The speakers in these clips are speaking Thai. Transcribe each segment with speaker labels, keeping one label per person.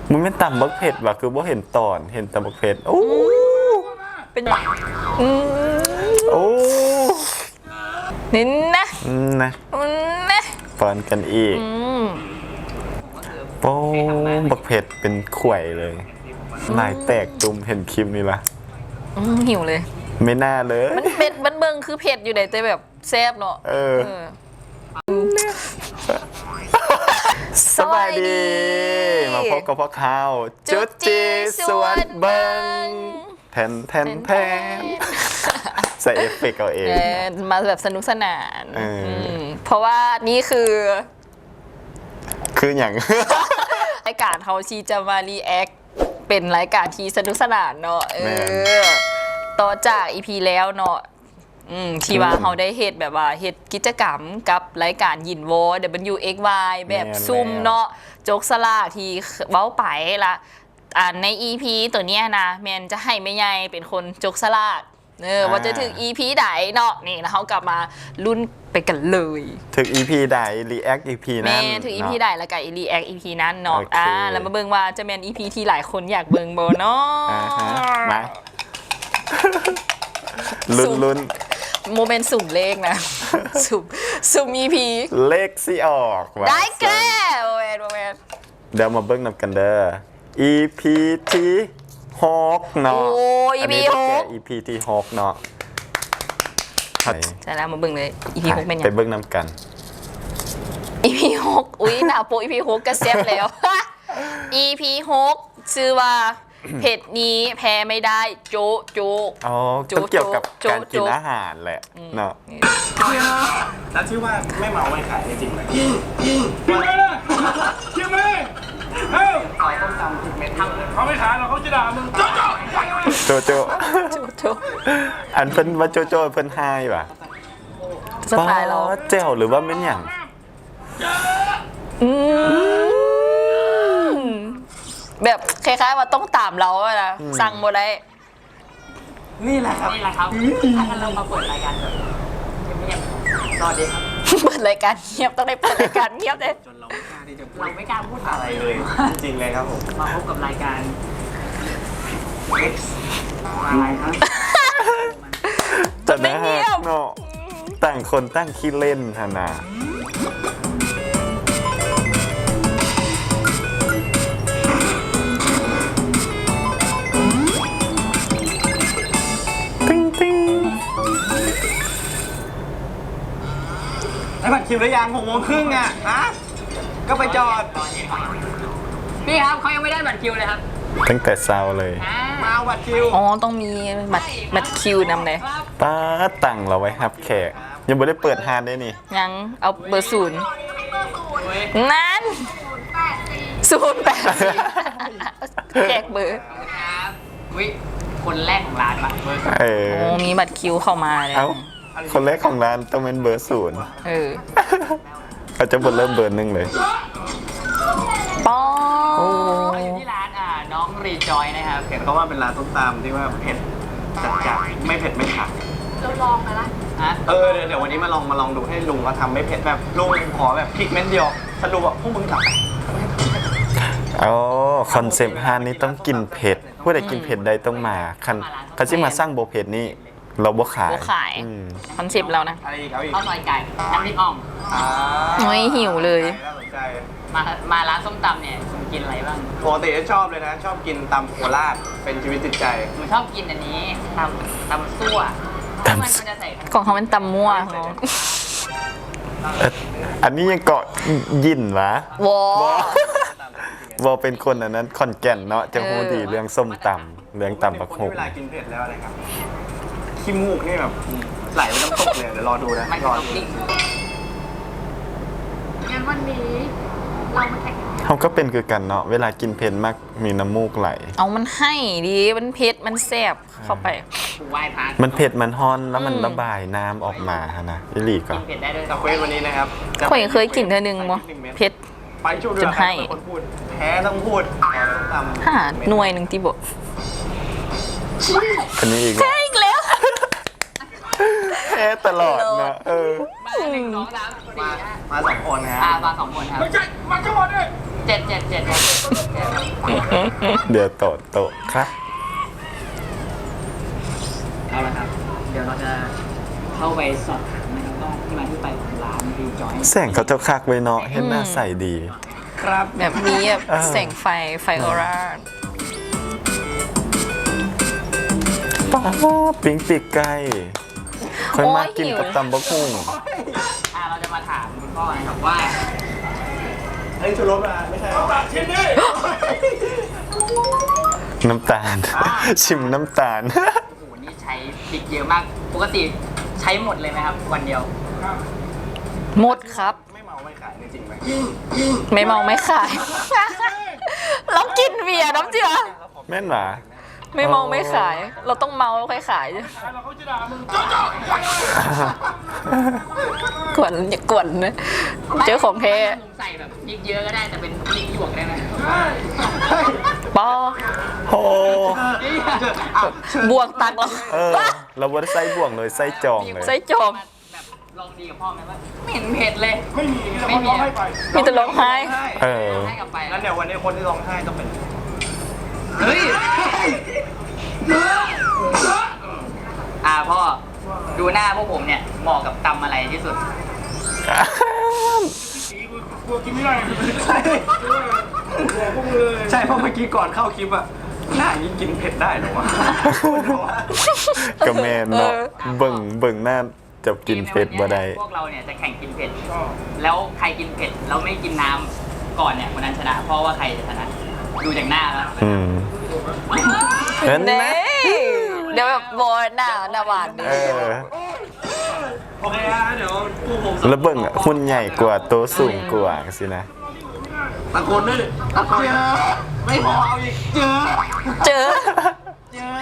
Speaker 1: มันไม่ต่ำบักเผ็ดว่ะคือบ่เห็นตอนเห็นแต่บักเผ็ดโอ้
Speaker 2: เป็น
Speaker 1: โอ้
Speaker 2: นี่นะ
Speaker 1: นะ
Speaker 2: นะ
Speaker 1: ปอนกันอีกโป้บักเผ็ดเป็นข่วยเลยลายแตกตุ่มเห็นคลิปนี้ละ
Speaker 2: หิวเลย
Speaker 1: ไม่น่าเลย
Speaker 2: มันเผ็ดมันเบิ่งคือเผ็ดอยู่ไหนแต่แบบแซ่บเนาะ
Speaker 1: สบายดีมาพบกับพ่อข้าวจุดจีสวนเบิงแทนใส่เอฟเฟกต์เอาเอง
Speaker 2: มาแบบสนุกสนานเพราะว่านี่คือ
Speaker 1: อย่าง
Speaker 2: รายการเขาชีจะมารีแอคเป็นรายการที่สนุกสนานเนาะต่อจากอีพีแล้วเนาะที่ว่าเขาได้เฮ็ดแบบว่าเฮ็ดกิจกรรมกับรายการยินโว WXY แบบซุ่มเนาะโจกสลากที่เว้าไปละใน EP ตัวเนี้ยนะแมนจะให้แม่ใหญ่เป็นคนโจกสลากว่าจะถึง EP ใดเนาะนี่แล้วเขากลับมาลุ้นไปกันเลย
Speaker 1: ถึง EP ใด React EP นั้น
Speaker 2: แม่ถึง EP ใดแล้วก็ React EP นั้นเนาะแล้วมาเบิ่งว่าจะแมน EP ที่หลายคนอยากเบิ่งบ่เนาะ
Speaker 1: มาลุ้น
Speaker 2: โมเมนต์สุ่มเลขนะสุ่ม EP
Speaker 1: เลขสิออก
Speaker 2: ได้แก่โมเมน
Speaker 1: เดี๋ยวมาเบิ่งนำกันเด้อ EP ที่6เนาะ
Speaker 2: โอ้ EP 6
Speaker 1: EP ที่6เนาะ
Speaker 2: ใช่แล้วมาเบิ่งเลย EP 6เป็นยัง
Speaker 1: ไปเบิ่งนำกัน
Speaker 2: EP 6อุ้ยหน้าโป EP 6ก็แซ่บแล้ว EP 6ชื่อว่าเผ็ดนี้แพ้ไม่ได้โจ๊
Speaker 1: อ๋อต้องเกี่ยวกับการกินอาหารแหละเนาะ
Speaker 3: แล้วชื่อว่าไม่เมาไม่ขายจริงไหมจริงไหมล่ะจริงไหมเฮ้ยขายต้มตำผิดเม็ดทำเลยเขาไม่ขายหรอกเขาจะด่ามึง
Speaker 1: โจอันเพิ่นว่าโจเพิ่นไฮป่ะ
Speaker 2: สไตล์เรา
Speaker 1: เจ้าหรือว่าเป็นอย่าง
Speaker 2: แบบคล้ายๆว่าต้องตามเราอะนะสั่งหมดได้
Speaker 3: นี่แหละครับถ้าเรามาเปิดรายการแบบเงียบๆสวัสดีครับ
Speaker 2: เปิดรายการเงียบต้องได้เปิดรายการเงียบเลย
Speaker 3: จนเราไม่กล้าที่จะเราไม่กล้าพูดอะไรเลยจริงเลยครับผมมาพบกับรายการ X อะไรครับ
Speaker 1: จะไม่เงียบเนาะต่างคนตั้งขี้เล่นฮะนะ
Speaker 3: ได้บัตรคิวหรือยัง6:30อ่ะฮะก็ไปจอด
Speaker 4: พี่ครับเขายังไม่ได้บัตรคิวเลยครับ
Speaker 1: ตั้งแต่เช้าเลย
Speaker 3: มาเอาบัตรคิว
Speaker 2: อ๋อต้องมีบัตรคิวนำเลย
Speaker 1: ป้าตั้งเราไว้ครับแขกยังไม่ได้เปิดฮานได้นี่
Speaker 2: ยังเอาเบอร์0นั้น084แจกเบอร์
Speaker 4: ครับวิคนแรกของร้านปะเบอร์
Speaker 2: โอ้มีบัตรคิวเข้ามาเลย
Speaker 1: คนแรกของร้านต้องเป็นเบอร์0เขาจะบนเริ่มเบอร์1เลย
Speaker 2: ป้อ
Speaker 4: อยู่ที่ร้านน้องรีจอยนะครับ
Speaker 3: เห็นเขาว่าเป็นร้านต้มตำที่ว่าเผ็ดจัดไม่เผ็ดไม่ขัด
Speaker 4: เราลองมาละ
Speaker 3: เดี๋ยววันนี้มาลองดูให้ลุงเขาทำไม่เผ็ดแบบลุงขอแบบพริกเม็ดเดียวสรุปว่าพวกมึงทำ
Speaker 1: อ๋อคอนเซปต์ฮานนี้ต้องกินเผ็ดผู้ใดกินเผ็ดใดต้องมาคันที่มาสร้างโบเผ็ดนี้เราบ่ขาย
Speaker 2: คอนเซปต์เรานะ
Speaker 4: ข้าวซอยไก่น้ำพริกอ่อม
Speaker 2: โอ้ยหิวเลย
Speaker 4: มาร้านส้มตำเนี่ยคุณกินอะไรบ้าง
Speaker 3: ปกติชอบเลยนะชอบกินตำโคราชเป็นชีวิตจิตใจ
Speaker 4: ผมชอบกินอันนี้ตำซั่วมันจะใส่
Speaker 2: ของเขาเป็นตำมั่ว
Speaker 1: อันนี้ยังเกาะยินวะวอเป็นคนอันนั้นคอนแก่นเนาะจะพูดดีเรื่องส้มตำเรื่องตำบักหง
Speaker 3: เวลากินเผ็ดแล้วอะไรครับขี้มูกนี่แบบไหลไปน้ำตกเลยเดี๋ยวรอดูนะรอดู
Speaker 4: งั้นวันนี้เรามาแข่ง
Speaker 1: เขาก็เป็นคือกันเนาะเวลากินเผ็ดมากมีน้ำมูกไหล
Speaker 2: เอามันให้ดีมันเผ็ดมันแซ่บเข้าไป
Speaker 1: มันเผ็ดมันฮ้อนแล้วมันระบายน้ำออกมาฮะนะอิลีก็
Speaker 4: เผ็ดได้ด้วย
Speaker 3: ตะเวนวันนี้นะครับ
Speaker 2: เคยกินเธอหนึ่งมั้งเผ็ดจนให้
Speaker 3: แพ้ต้องพูด
Speaker 2: หน่วยหนึ่งที่บอก
Speaker 1: อันนี้อีก
Speaker 2: แล้ว
Speaker 1: แพ้ตลอดนะ
Speaker 4: มา1 2 3 4
Speaker 3: มา2 คนนะ
Speaker 4: มา2 คนครับ
Speaker 3: ไม่ใช่มาทั้งหมดเลย
Speaker 4: 7
Speaker 1: เดี๋ยวโตะครับ
Speaker 5: เอาละครับ เดี๋ยวเราจะเข้าไปสอบถามนะครับว่าที่มาที่ไปของร้านรีจอย
Speaker 1: แสงเขาเจ้าคักไว้เนาะเห็นหน้าใสดี
Speaker 5: ครับ
Speaker 2: แบบนี้แบบ
Speaker 1: เออ
Speaker 2: แสงไฟออร่า
Speaker 1: ป้าปิ้งปีกไก่ค่อยมากิน
Speaker 2: โอ้ยหิว
Speaker 1: กับตำบักหุ่ง
Speaker 5: เราจะมาถามคุณพ่อนะครับว่า
Speaker 3: เฮ้ยชูรสมาไม่ใช่ชิมดิ
Speaker 1: น้ำตาล ชิมน้ำตาล
Speaker 5: โอ้โหนี่ใช้พริกเยอะมาก ปกติใช้หมดเลยไหมครับ วันเดียว
Speaker 2: หมดครับ
Speaker 3: ไม่เมาไม่ขายจริงไหม
Speaker 2: ไม่เมาไม่ขาย เรากินเบียร์น้ำเจือ
Speaker 1: แม่นหรอ
Speaker 2: ไม่เมาไม่ขาย เราต้องเมาแล้วค่อยขายกวนอย่ากวนนะเจอของแท้
Speaker 5: ผมใส่แบบพริกเยอะก็ได้แต่เป็นพริกหยวกได้ไหม
Speaker 2: ปอ
Speaker 1: โอ้
Speaker 2: บวกตักเรา
Speaker 1: เราบ่ได้ใส่บ่วงเลยใส่จองเลย
Speaker 2: ใส่จอม
Speaker 5: แบบลองดีกับพ่อไหมว่าไม่เห็นเผ็ดเลย
Speaker 3: ไม่มี
Speaker 5: ไม่มี
Speaker 3: ให้ไป
Speaker 2: มีแต่ร้องไห้
Speaker 1: เออ
Speaker 5: ให้กลับไป
Speaker 3: งั้นเดี๋ยววันนี้คนที่ร้องไห้ต้องเป็น
Speaker 5: เฮ้ยพ่อดูหน้าพวกผมเนี่ยเหมาะกับตำอะไรที่สุด
Speaker 3: กลัวกินไม่ได้ใช่เพราะเมื่อกี้ก่อนเข้าคลิปอะหน้าอย่างนี้กินเผ็ดได้เหรอวะ
Speaker 1: กระแมนเนาะเบิ่งหน้าจะกินเผ็ดบ่ได้
Speaker 5: พวกเราเนี่ยจะแข่งกินเผ็ด แล้วใครกินเผ็ดแล้วไม่กินน้ำก่อนเนี่ยคนนั้นชนะ เพราะว่าใครจะชนะ ดูจากหน้าแล้ว
Speaker 1: เห็นไหม
Speaker 2: เน่เดี๋ยวแบบโบนหน้าหวานดิ
Speaker 1: เออ
Speaker 3: โอเคฮะเดี๋ยวผู้ผม
Speaker 1: แล้วเบิ่งอ่ะหุ่นใหญ่กว่าโตวสูงกว่าสินะ
Speaker 3: ตะโกนด้วยดิตะโกนไม่พอเอาอีกเจอ
Speaker 2: เจอ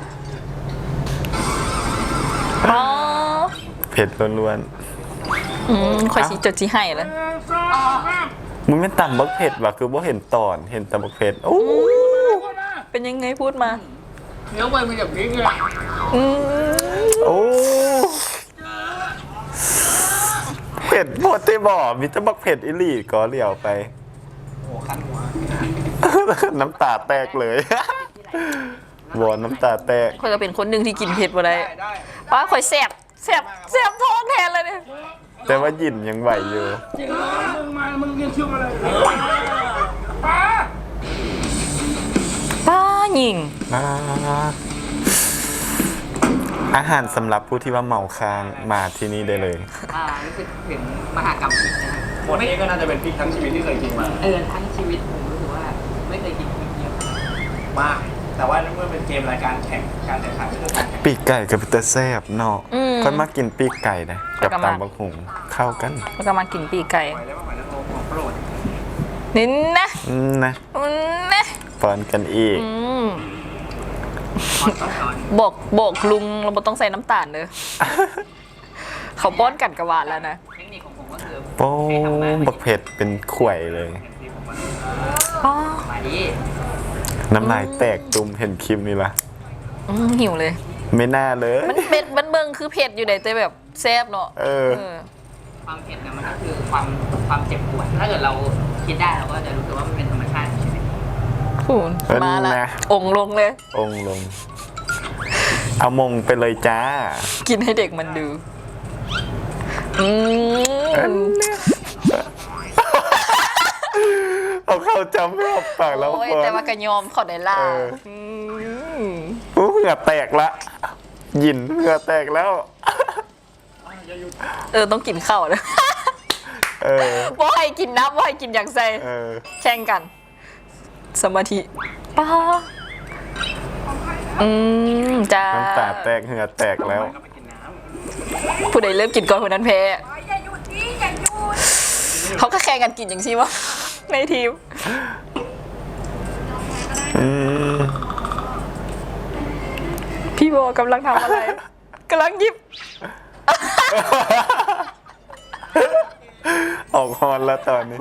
Speaker 2: อ๋อ
Speaker 1: เผ็ดล้วน
Speaker 2: คอยชี้จดชี้ให้แล้ว
Speaker 1: ๆมึงไม่ตำบักเผ็ดว่ะคือบ่เห็นตอนเห็นตำบักเผ็ดโอ้
Speaker 2: เป็นยังไงพูดมา
Speaker 5: เนื้อมันมีแต่พริกเลย
Speaker 2: อืม
Speaker 1: โอ้เผ็ดหมดที่บ่มีแต่บักเผ็ดอีหลีก็เหลียวไป
Speaker 3: โอ้คันหัว
Speaker 1: น้ำตาแตกเลยบ่น้ำตาแตก
Speaker 2: คอยก็เป็นคนหนึ่งที่กินเผ็ดบ่ได้
Speaker 3: ได้
Speaker 2: ป้าคอยแสบท้องแทนเลยเนี่ย
Speaker 1: แต่ว่าหยินยังไหวอยู่
Speaker 3: มึงเรียนชื่ออะไรป้า
Speaker 2: ป้าหญิง
Speaker 1: อาหารสำหรับผู้ที่ว่าเมาค้างมาที่นี่ได้เลย
Speaker 5: รู้สึกถึงมหากรรมพริกนะครับ
Speaker 3: หมดนี้ก็น่าจะเป็นพริกทั้งชีวิตที่เคยกินมา
Speaker 5: ทั้งชีวิตผมรู้สึกว่าไม่เคยกินพริกเยอะ
Speaker 3: มาก แต่ว่าเมื่อเป็นเกมรายการแข่งการแข่งขันก็คือการแข่ง
Speaker 1: ปีกไก่กับพิเตอร์แซ่บเนาะค่อยมากินปีกไก่นะกับตำบักหุ่งเข้ากัน
Speaker 2: แล้วก็มากินปีกไก่
Speaker 3: ไปแล้วไปแล้วของโปรด
Speaker 2: นี่นะ
Speaker 1: นะ
Speaker 2: นะ
Speaker 1: ปอนกันอีก
Speaker 2: บอกลุงเราไม่ต้องใส่น้ำตาลเลย เขาป้อนกันกระวานแล้วนะ
Speaker 5: เทคนิคของผมก็คือ
Speaker 1: โป้บักเผ็ดเป็นข่วยเลย
Speaker 5: มาดี
Speaker 1: น้ำลายแตกตุ่มเห็นคลิปนี้ละ
Speaker 2: หิวเลย
Speaker 1: ไม่น่าเลย
Speaker 2: มันเบิ่งคือเผ็ดอยู่ไหนแต่แบบแซ่บเนาะ
Speaker 1: เออ
Speaker 5: ความเผ็ดเนี่ยมันก็คือความเจ็บปวด ถ้าเกิดเราคิดได้เราก็จะรู้สึกว่ามันเป็นธรรมชาติของชีวิต
Speaker 2: คุณมาละ
Speaker 1: นะ
Speaker 2: องค์ลงเลย
Speaker 1: องค์ลง เอามงไปเลยจ้า
Speaker 2: กินให้เด็กมันดู
Speaker 1: เอาเข้าจำไม่ออกปากแล้ว
Speaker 2: โอ้ย
Speaker 1: ก่อน
Speaker 2: แต่ว่ากระยอมเขอได้ล่า
Speaker 1: เหงื่อแตกละหยินเหงื่อแตกแล้ว
Speaker 2: ต้องกินข้าวเลย ว่าให้กินน้ำว่าให้กินอย่างใส่แข่งกัน สมาธิป้าจ้า
Speaker 1: น้ำตาแตกเหงื่อแตกแล้ว
Speaker 2: ผู้ใดเริ่มกินก่อนคนนั้นแพ้เขาก็แข่งกันกินอย่างที่ว่าในทีมพี่โบกำลังทำอะไรกำลังหยิบ
Speaker 1: ออกฮอนแล้วตอนนี้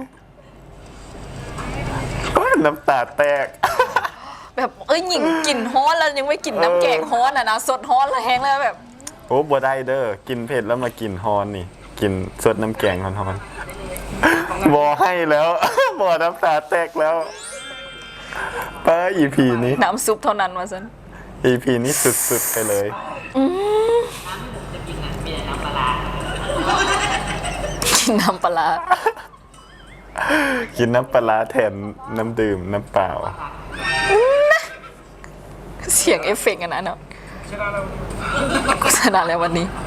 Speaker 1: โอ๊ยน้ำตาแตก
Speaker 2: แบบหญิงกลิ่นฮ้อนแล้วยังไม่กลิ่นน้ำแกงฮ้อนอ่ะนะสดฮ้อนแล้วแห้งแล้วแบบ
Speaker 1: โอ้บัวได้เด้อกินเผ็ดแล้วมากินฮอนนี่ กินสดน้ำแกงฮอนๆบอให้แล้ว บอน้ำตาแตกแล้วป้า EP นี้
Speaker 2: น้ำซุปเท่านั้นว่าซั่น
Speaker 1: EP นี้สุดๆไปเลย
Speaker 5: จะกินอ่ะมีแต่น้ำปลาร้า
Speaker 2: กินน้ำปลาร้า
Speaker 1: กินน้ำปลาร้าแทนน้ำดื่มน้ำเปล่า
Speaker 2: เสียงเอฟเฟกต์อันนั้นเนาะโฆษณาแล้ววันนี้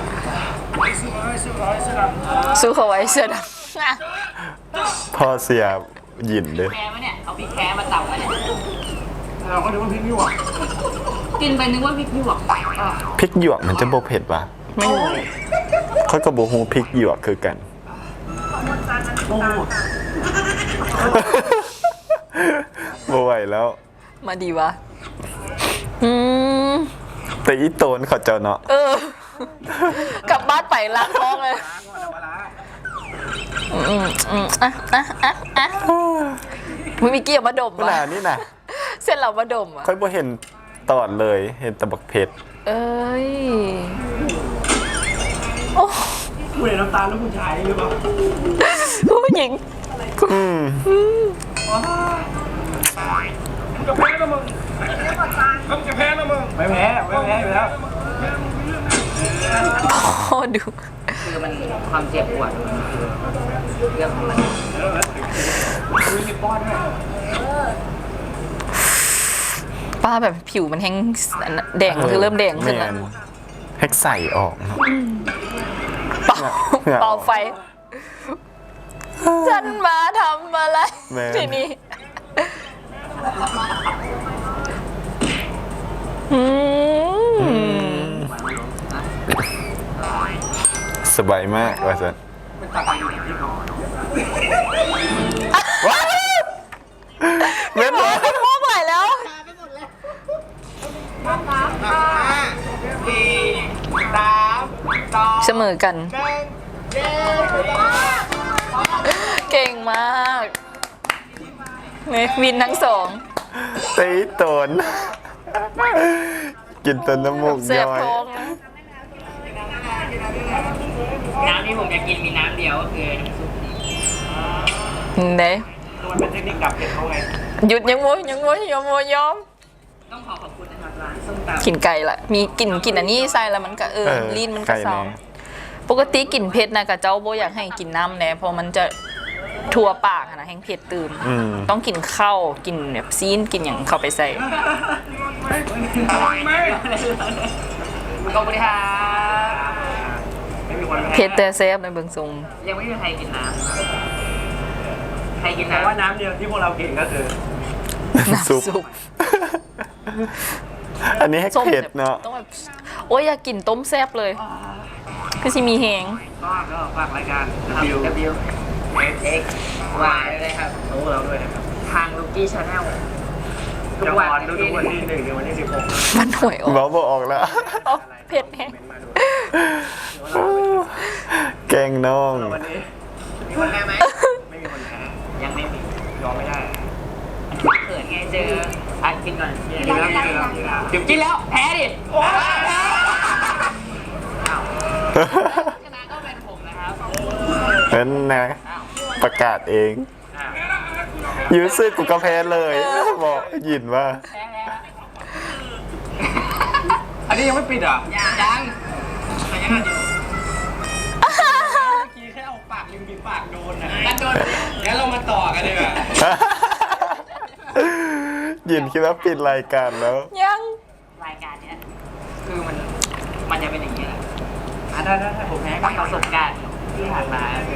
Speaker 2: สู้เขาไว้เสื้อดำ
Speaker 1: พ่อเสียหยินเลย
Speaker 5: แพ้ไหมเนี่ยเอาพริกแพ้มาตับมาเนี่ย
Speaker 3: เราก็นึกว่าพริกหยวก
Speaker 5: กินไปนึกว่าพริกหยวก
Speaker 1: พริกหยวกมันจะโบเผ็ดปะ
Speaker 2: ไม่รู้
Speaker 1: เขาก็โบฮูพริกหยวกคือกัน โบไหวแล้ว
Speaker 2: มาดีวะอืม
Speaker 1: แต่อีโตนเขาเจ้าเนาะ
Speaker 2: กลับบ้านไปล้างท้องเลยมึงมีเกี่ยวมาดม
Speaker 1: เวลา
Speaker 2: ปะ
Speaker 1: นี่นะ
Speaker 2: เส้นเรามาดมอ่ะ
Speaker 1: ค่อยโบเห็นตอนเลย เห็นแตะบักเผ็ด
Speaker 2: เอ้ยโอ้
Speaker 3: คุณเห็นน้ำตาลแล้วคุณชายหรือเปล่า
Speaker 2: ผู้หญิง
Speaker 1: อืม
Speaker 3: มึงจะแพ้นะมึงมึงจะแพ้นะมึงไม่แพ้อยู่แล้ว
Speaker 2: พ่อดู
Speaker 5: คือมันความเจ็บปวดมันคือเรื่องของมัน
Speaker 2: ป้าแบบผิวมันแห้งแดงมันคือเริ่มแดงขึ้นแล้ว
Speaker 1: ม่แฮกใส่ออกเนาะ
Speaker 2: เป่า
Speaker 1: เหงื่อ
Speaker 2: เป่าไฟ ฉันมาทำอะไร
Speaker 1: แม่
Speaker 2: ทีนี้อืม
Speaker 1: สบายมากว่าสันว้าวเม็ดเลย
Speaker 2: มองไหลแล้ว เสมอกัน เก่งมากเนี่ยวินทั้งสอง
Speaker 1: ตีโตน กินต้นน้ำมูก
Speaker 2: เสีย
Speaker 1: ย้
Speaker 2: บ
Speaker 1: อย
Speaker 2: ท้องนะ
Speaker 5: น้ำที่ผมจะกินมีน้ำเดียวก็คือน้ำซุป
Speaker 2: เด้
Speaker 3: มันเป็นเทคนิคดับเผ็ดเขาไง
Speaker 2: หยุดยังโวยยังโวยยังโวยยอม
Speaker 5: ต้องขอบคุณนะครับร้านส้มตำ
Speaker 2: กลิ่นไก่ละมีกลิ่นอันนี้ใส่แล้วมันก็ลิ้นมันก็
Speaker 1: ไก่
Speaker 2: เศร้า
Speaker 1: แน่
Speaker 2: ปกติกลิ่นเผ็ดนะกับเจ้าโบอยากให้กินน้ำแน่เพราะมันจะทั่วปากอะนะแห้งเผ็ดตื่ม
Speaker 1: อืม
Speaker 2: ต้องกินข้าวกินแบบซีนกินอย่างเข้าไปใส่
Speaker 5: ขอบคุณครับ
Speaker 3: ไม่มีคนแพ้
Speaker 2: เผ็ดแต่แซ่บในเบิงทรง
Speaker 5: ยังไม่มีใครกินน้ำใครกิน
Speaker 3: แต่
Speaker 5: น้ำ
Speaker 3: ว่าน้ำเดียวที่พวกเรากินก็คือ
Speaker 2: น้ำซุป
Speaker 1: อันนี้แฮก
Speaker 2: ส้ม
Speaker 1: เผ็ด
Speaker 2: แบบ
Speaker 1: เนาะ
Speaker 2: ต้องแบบโอ้ยอยากกินต้มแซ่บเลยคือสิมีแหง
Speaker 3: ก็ฝากรายการ
Speaker 5: W X Y เลยครับ
Speaker 3: โน้เราด้วยนะครับ
Speaker 5: ทางลูกี้ชาแนลทุก
Speaker 3: จะ
Speaker 5: วัน
Speaker 3: ออนทุกวันที่1ถึงวันที่16
Speaker 2: มันหวยออก
Speaker 1: เบาบอกออกแล้ว
Speaker 2: อ๋อเผ็ดแฮง
Speaker 1: แกงน้อง
Speaker 3: วันนี้
Speaker 5: มีคนแพ้ไหม
Speaker 3: ไม่มีคนแพ้
Speaker 5: ยังไม่มี
Speaker 3: ยอมไม่ได้
Speaker 5: เขินไงเจออัดกินก่อน
Speaker 3: กินแล้วกินแล้วกินแล้ว
Speaker 5: เดี๋ยวกินแล้วแพ้ดิชนะก็เป็นผมนะครับ
Speaker 1: เป็นนะประกาศเองยูซึกูกาแฟเลย บอกยินว่า
Speaker 5: แพ้แล้ว
Speaker 3: อันนี้ยังไม่ปิดอ่ะ
Speaker 5: ยังแต่ยังอยู่
Speaker 3: เมื่อกี้แค่เอาปากริมฝีปากโดนนะ
Speaker 5: กันโดน
Speaker 3: งั้นเรามาต่อกันดีกว่า
Speaker 1: ยินคิดว่าปิดรายการแล้ว
Speaker 2: ยัง
Speaker 5: รายการเนี้ยคือมันจะเป็นอย่างนี้แหละ
Speaker 3: ได้ผมแพ้
Speaker 5: กับประสบการณ์ที่ผ่านมาคือ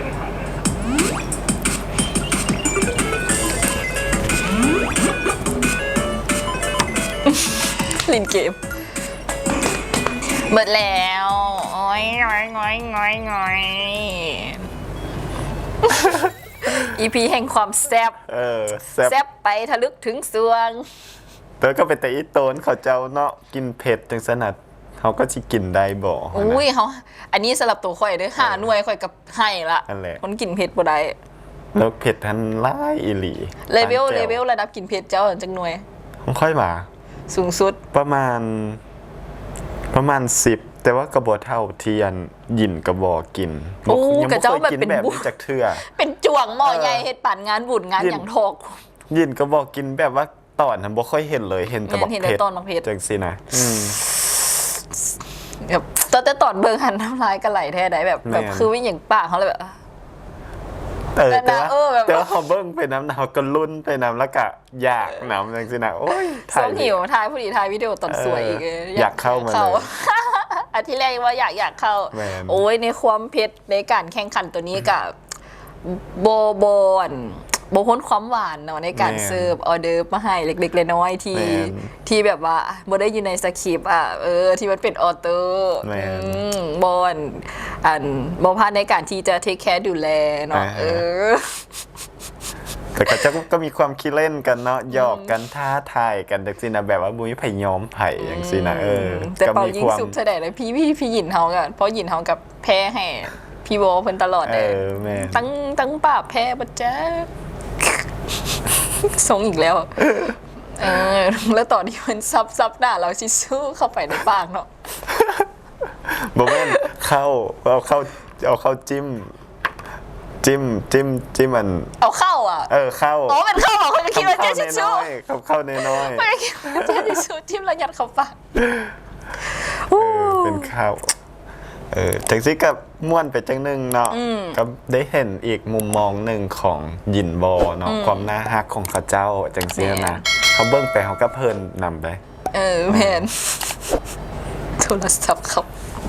Speaker 2: ลินเกมเบิดแล้วโอ้ยง้อยง้อยง้อยง้อยอีพีแห่งความแซ่บ
Speaker 1: แซ่บ
Speaker 2: แซ่บไปทะลึกถึงสวง
Speaker 1: แต่ก็เป็นแต่อีโตนเขาเจ้าเนาะกินเผ็ดจังสนัดเขาก็สิกินได้บ่
Speaker 2: อุ้ยเขาอันนี้สำหรับตัวข่อยเด้อหาหน่วยข่อยกับให้ละ
Speaker 1: นั่นแหละ
Speaker 2: คนกินเผ็ดบ่ได้
Speaker 1: แล้วเผ็ดทันไล่อีหลี
Speaker 2: เลเวล
Speaker 1: ปานแจ่
Speaker 2: ระดับกินเผ็ดเจ้าจังหน่วย
Speaker 1: ของค่อยมา
Speaker 2: สูงสุด
Speaker 1: ประมาณ10แต่ว่ากระบอกเท่าเทียนหยินกระบอกกิน
Speaker 2: โอ้
Speaker 1: ยัง
Speaker 2: กระ
Speaker 1: ไม่
Speaker 2: เจ้า
Speaker 1: เคย
Speaker 2: แบบ
Speaker 1: กิน
Speaker 2: เป็น
Speaker 1: แบบ
Speaker 2: บุ
Speaker 1: นี้จากเทื่อ
Speaker 2: เป็นจ่วงหม้อใหญ่เฮ็ดปั่นงานบุญงาน
Speaker 1: ยิน
Speaker 2: อย่างทอก
Speaker 1: หยินกระบอกกินแบบว่าตอนนั้นบ่ค่อยเห็นเลยเห็นแต่บัก
Speaker 2: เห็น
Speaker 1: เพ
Speaker 2: แต่
Speaker 1: ชร
Speaker 2: ตอนบักเพชร
Speaker 1: จังซี่นะ
Speaker 2: แบบแต่ตอนเบิ่งหันน้ำลายกันไหลแท้ใดแบบ
Speaker 1: แม่น
Speaker 2: คือวิ่งอย่างปากเขาเลยแบบ
Speaker 1: แต่
Speaker 2: แต่แบบ
Speaker 1: แต่ว่าเขาเบิ่งไปน้ำหนาวก็ลุ้นไปน้ำแล้วก็อยากน้ำจังซี่นะโอ้ย
Speaker 2: สองหิวทายผู้ดีทายวิดีโอตอนสวยอีก
Speaker 1: อยากเข้ามาเลย
Speaker 2: อันที่แรกว่าอยากเข้า
Speaker 1: แม่น
Speaker 2: โอ้ยในความเพชรในการแข่งขันตัวนี้กับโบนโบพ้นความหวานเนาะในการเสิร์ฟออเดอร์มาให้เล็กๆน้อยๆที่แบบว่าโบได้อยู่ในสคริปต์ที่มันเป็นออเตอร์
Speaker 1: แม่น
Speaker 2: บอนบพลาดในการที่จะเทคแคร์ดูแลเนาะ
Speaker 1: แต่ก็มีความคิดเล่นกันเนาะหยอกกันท้าทายกันจังซี่นะแบบว่าบุ้ยไผยอมไผจังซี่นะ
Speaker 2: แต่เป่า
Speaker 1: มี
Speaker 2: ยิงสุกแสดงเลยพี่หยินเฮากันเพราะหยินเฮากับแพ้ให้พี่โบเพิ่นตลอดเลย
Speaker 1: แม่
Speaker 2: ตั้งป่าแพ้บัดจ้าทรงอีกแล้วแล้วตอนที่มันซับหน้าเราชิสู้เข้าไปในปากเนาะ
Speaker 1: บ่แม่นเอาเข้าจิ้มมัน
Speaker 2: เอาเข้า
Speaker 1: เข้า
Speaker 2: มันเข้าเหรอคนจะคิดว่าเจ๊ชิสู้
Speaker 1: เข้าน้อย
Speaker 2: ไม่ได้คิดว่าเจ๊ชิสู้จิ้มแล้วยัดเข้าปาก
Speaker 1: เป็นข้าวจังซี่กับม่วนไปจังนึงเนาะก็ได้เห็นอีกมุมมองหนึ่งของหยินบอเนาะความน่าฮักของเขาเจ้าจังซี่นะเขาเบิ่งไปเขาก็เพลินนำไป
Speaker 2: แมนโทรศัพท์ครับ